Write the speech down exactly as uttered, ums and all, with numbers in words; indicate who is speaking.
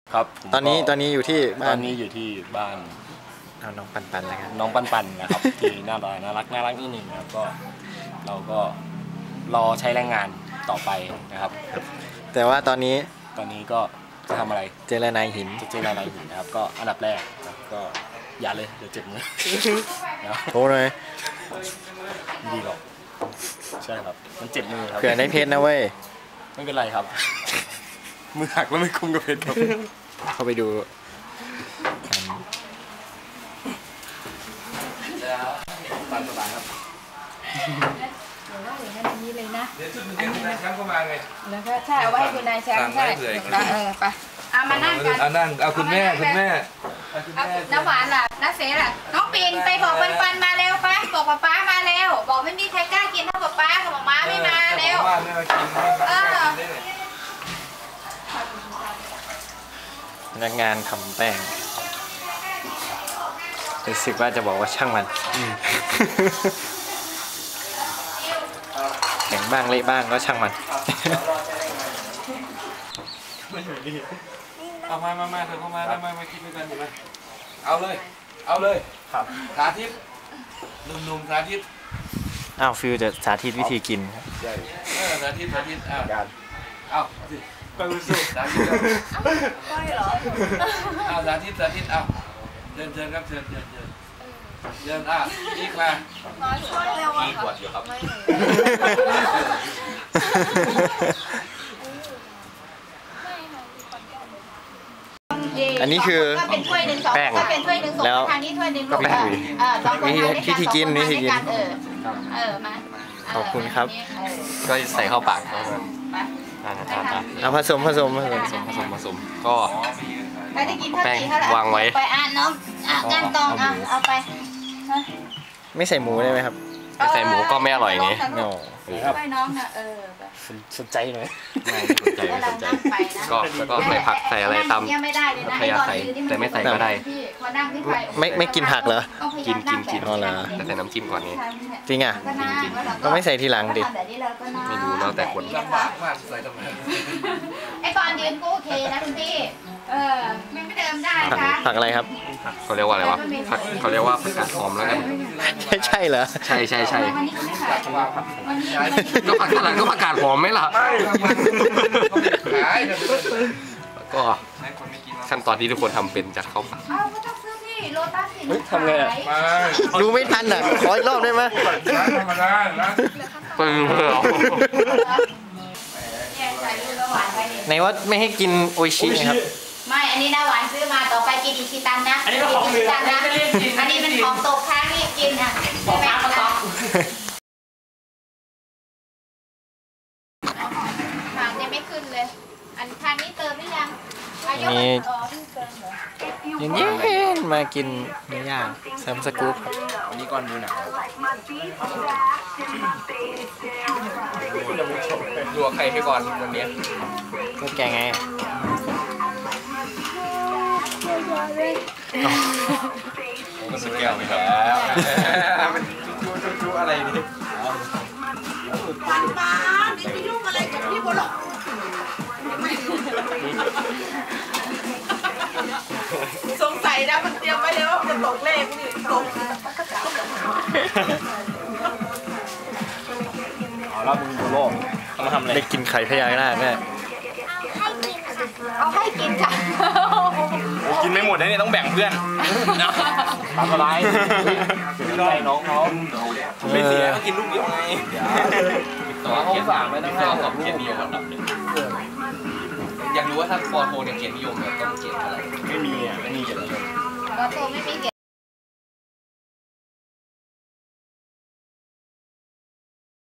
Speaker 1: ครับ
Speaker 2: ตอนนี้ตอนนี้อยู่ที่บ้าน
Speaker 1: ตอนนี้อยู่ที่บ้าน
Speaker 2: เอาน้องปันปันแล้วกัน
Speaker 1: น้องปันปันนะครับ ที่น่ารักน่ารักน่ารักนิดหนึ่งนะครับก็เราก็รอใช้แรงงานต่อไปนะครับ
Speaker 2: แต่ว่าตอนนี้
Speaker 1: ตอนนี้ก็จะทำอะไร
Speaker 2: เจรนายหิน
Speaker 1: จะเจรนายหินนะครับก็อันดับแรกก็อย่าเลยเดี๋ยวเจ็บมือ
Speaker 2: โอ้เลย
Speaker 1: ดีหรอกใช่ครับมันเจ็บมือครับ
Speaker 2: เผื่อได้เพชรนะเว้ย
Speaker 1: ไม่เป็นไรครับมือหักแล้วไม่คุ้มกับเพชรครับ
Speaker 2: เข้าไปดู
Speaker 1: ตามสบายครับ
Speaker 3: เดี๋ยวว่าอย่างนั้นอย่างนี้เลยนะ
Speaker 4: เดี๋ยวชุดเดี๋ยวคุณนายแชมป์เข้ามาไง
Speaker 3: แล้วก็ใช่เอาไว้ให้คุณนายแชมป์ใช่เออไปเอามานั่งกัน
Speaker 4: เอานั่งเอาคุณแม่คุณแม่
Speaker 3: เอาน้ำหวานล่ะน้าเสล่ะน้องปิ่นไปบอกปันปันมาเร็วไปบอกป๊าป๊ามาเร็วบอกไม่มีใครกล้ากินเท่าป๊าป๊ากับม้าไม่มาเร็วเออ
Speaker 2: พนักงานทำแป้งรู้สึกว่าจะบอกว่าช่างมันแข็งบ้างเละบ้างก็ช่างมัน
Speaker 4: เอามามามาเธอเข้ามาแล้วมามากินด้วยกันเห็นไหมเอาเลยเอาเลยครับสาธิตหนุ่มๆสาธิต
Speaker 2: อ้าวฟิวจะสาธิตวิธีกินครับ
Speaker 4: ใช่เออสาธิตสาธิตอ้าวเอาสิไปสู้สาธิต
Speaker 3: ก้อยเหรอ
Speaker 4: เอาสาธิตสาธิตเอาเชิญเชิญครับเชิญเชิญเชิญเชิญอ่ะอีกมา
Speaker 3: น้อยก้อยเร็วอ่ะ
Speaker 4: อีกกว่าอยู่ครับ
Speaker 2: อันนี้คือ
Speaker 3: แป้งแล้วทางนี้ถ้วยหนึ่งก็แป้งเออสองคนทาน
Speaker 2: วิธีกินวิธีกิน
Speaker 3: เออเออมา
Speaker 2: ขอบคุณครับ
Speaker 1: ก็ใส่เข้าปาก
Speaker 2: เอาผสมผสมผสม
Speaker 1: ผสมผสมก็
Speaker 3: แป้ง
Speaker 1: วางไว้
Speaker 3: ไปอ่านน้องอ่ะการตองอ่ะเอาไป
Speaker 2: ไม่ใส่หมูได้ไหมครับ
Speaker 1: ไม่ใส่หมูก็ไม่อร่อยไง
Speaker 2: โน่
Speaker 3: ไปน้องนะเออ
Speaker 1: สนใจหน่อย
Speaker 2: ไม่
Speaker 1: สนใจไม่สนใจก็แล้วก็ใส่ผักใส่อะไรตามพยาใส่แต่ไม่ใส่ก็ได้
Speaker 2: ไม่ไม่กินผักเหรอ
Speaker 1: กินกินกิน
Speaker 2: อ๋อเหรอ
Speaker 1: แต่ใส่น้ำจิ้มก่อนนี่
Speaker 2: จริงอ่ะก็ไม่ใส่ทีหลังดิ
Speaker 1: ไม่รู้แล้วแต่คน
Speaker 3: ไอ้ตอนยืนก็โอเคนะคุณพี่เออไม่เดิมได้ค่ะ
Speaker 2: ผักอะไรครับ
Speaker 1: เขาเรียกว่าอะไรวะผักเขาเรียกว่าผักกาดหอมแล้วกัน
Speaker 2: ใช่ใช่เหรอ
Speaker 1: ใช่ใช่ใช่ก็ผักกาดก็ผักกาดหอมไหมล่ะก็ขั้นตอนที่ทุกคนทำเป็นจัดเข้าปาก
Speaker 2: ทำไงอ่ะดูไม่ทันอ่ะขออีกรอบได้ไหม
Speaker 4: ธรรมดา
Speaker 1: ปึ้งเพื่อ
Speaker 2: ไหนว่าไม่ให้กินโออิชินะครับ
Speaker 3: ไม่อันนี้นะหวานซื้อมาต่อไปกินอิชิตันนะอันนี้เป็นของอิชิตันนะอันนี้เป็นของตกค้างนี่กินอ่ะใช่ไหมคะทางยังไม่ขึ้นเลยอันทางนี้เติมหรือยัง
Speaker 2: นี่ยังเย็นมากินเนื้อย่างแซมสกู๊ปครับ
Speaker 1: วันนี้ก้อนมือหนักดูใครให้ก่อนวันนี้
Speaker 2: ก็แกไง
Speaker 1: ก็สแกลไปแล้ว
Speaker 4: มันจูจูจูอะไรนี่
Speaker 3: ปันปันนี่ไปยุ่งอะไรกับพี่บอลหรอสงสัยนะมันเตรียมไว้แล้วว่าจะตกเลขนี่ตก
Speaker 1: เอาแล้วมึงโบโลกเขามาทำอะไร
Speaker 2: ได้กินไข่พญานาคแน่
Speaker 3: เอาให้กินค่ะ
Speaker 1: กินไม่หมดนะเนี่ยต้องแบ่งเพื่อนทำอะไรใจน้องเขาไม่เสียเขากินลูกเดียวไงแต่ว่าเขาฝากไม่ต้องให้สอบเกียรตินิยมอันดับหนึ่งอยากรู้ว่าถ้าปอโทเนี่ยเกียรตินิยมแบบต้องเกียรติอะไรไม่มีอ่ะไม่มีเกียรตินิยม
Speaker 3: ปอโทไม่มีเกียรติ